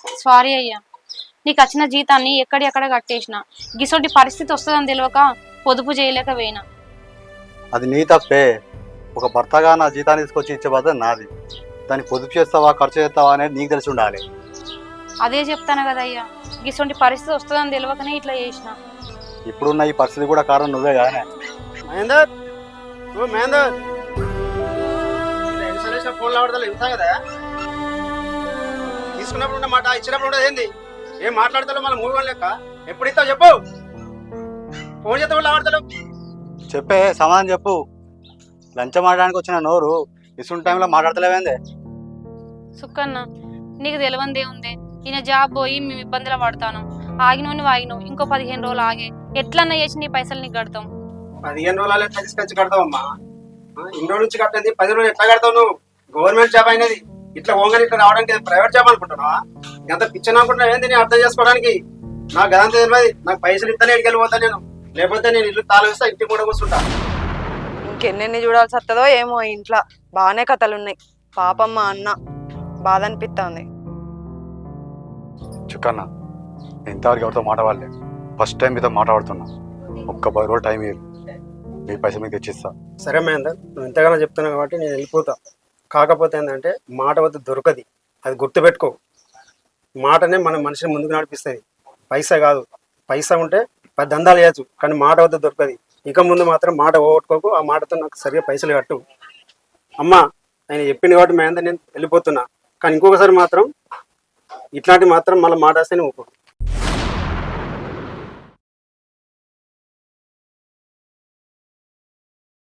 Sorry అయ్యా, నీకు వచ్చిన జీతాన్ని ఎక్కడెక్కడ కట్టేసిన. గిసోటి పరిస్థితి వస్తుందని తెలియక పొదుపు చేయలేక పోయినా. అది నీ తప్పే. ఒక భర్తగా నా జీతాన్ని తీసుకొచ్చి ఇచ్చే బాధ్యత నాది. దాన్ని పొదుపు చేస్తావా ఖర్చు చేస్తావా అనేది నీకు తెలిసి ఉండాలి. అదే చెప్తాను కదా అయ్యా, గిసోటి పరిస్థితి వస్తుందని తెలియకనే ఇట్లా చేసిన. ఇప్పుడున్న ఈ పరిస్థితి కూడా కారణం నువ్వే కానీ. మహేందర్, ఓ మహేందర్, ఫోన్లో ఆడతా ఇంత కదా తీసుకున్నప్పుడు ఉన్న మాట ఇచ్చినప్పుడు ఉండదు ఏంది? ఏం మాట్లాడతావు మన మూవీ లెక్క? ఎప్పుడు ఇస్తావు చెప్పు. ఫోన్ చేస్తే వాళ్ళు ఆడతాడు. చెప్పే సమాధానం చెప్పు. లంచం ఆడడానికి వచ్చిన నోరు ఇసుంటి టైంలో మాట్లాడతలేవేందే? సుక్కన్న, నీకు తెలియందే ఉంది. ఈయన జాబ్ పోయి మేము ఇబ్బందులు పడతాను. ఆగినవు ఇంకో 15 రోజులు ఆగే ఎట్లన్నా చేసి నీ పైసలు నీకు కడతాం. 15 రోజులు ఎట్లా తీసుకొచ్చి కడతావమ్మా? ఇన్ని రోజుల నుంచి కట్టేది 10 రోజులు ఎట్లా కడతావు నువ్వు? గవర్నమెంట్ జాబ్ అయినది. ఇట్లా ఓంగని ఇట్లా రావడానికి ప్రైవేట్ జాబ్ అనుకుంటున్నావా? ఎంత పిచ్చని అనుకుంటున్నావు ఏంది? నేను అర్థం చేసుకోవడానికి నాకు గదంతా తెలియదు. నాకు పైసలు ఇస్తానే ఇక్కడికి వెళ్ళిపోతా నేను. లేకపోతే నేను ఇల్లు తాళగిస్తా, ఇంటికి కూడా కూర్చుంటా. ఇంకెన్నెన్ని చూడాల్సి వస్తుందో ఏమో. ఇంట్లో బాగానే కథలు ఉన్నాయి. పాపం మా అన్న బాధ అనిపిస్తుంది. చుక్కన్న, ఇంతవరకు ఎవరితో మాట్లాడలే. ఫస్ట్ టైం మీతో మాట్లాడుతున్నా. ఒక్క 10 రోజులు టైం ఇవ్వు, మీ పైసలు మీకు తెచ్చిస్తా. సరే మహేందర్, నువ్వు ఎంతగానో చెప్తున్నావు కాబట్టి నేను వెళ్ళిపోతా. కాకపోతే ఏంటంటే మాట వద్ద దొరకది, అది గుర్తుపెట్టుకో. మాటనే మన మనిషిని ముందుకు నడిపిస్తుంది, పైసా కాదు. పైసా ఉంటే 10 దందాలు చేయొచ్చు, కానీ మాట వద్ద దొరకది. ఇక ముందు మాత్రం మాట పోగొట్టుకోకు. ఆ మాటతో నాకు సరిగా పైసలు కట్టు. అమ్మా, ఆయన చెప్పింది కాబట్టి మహేందర్ నేను వెళ్ళిపోతున్నా. కానీ ఇంకొకసారి మాత్రం ఇట్లాంటి మాత్రం మళ్ళీ మాట వస్తేనే ఊపు.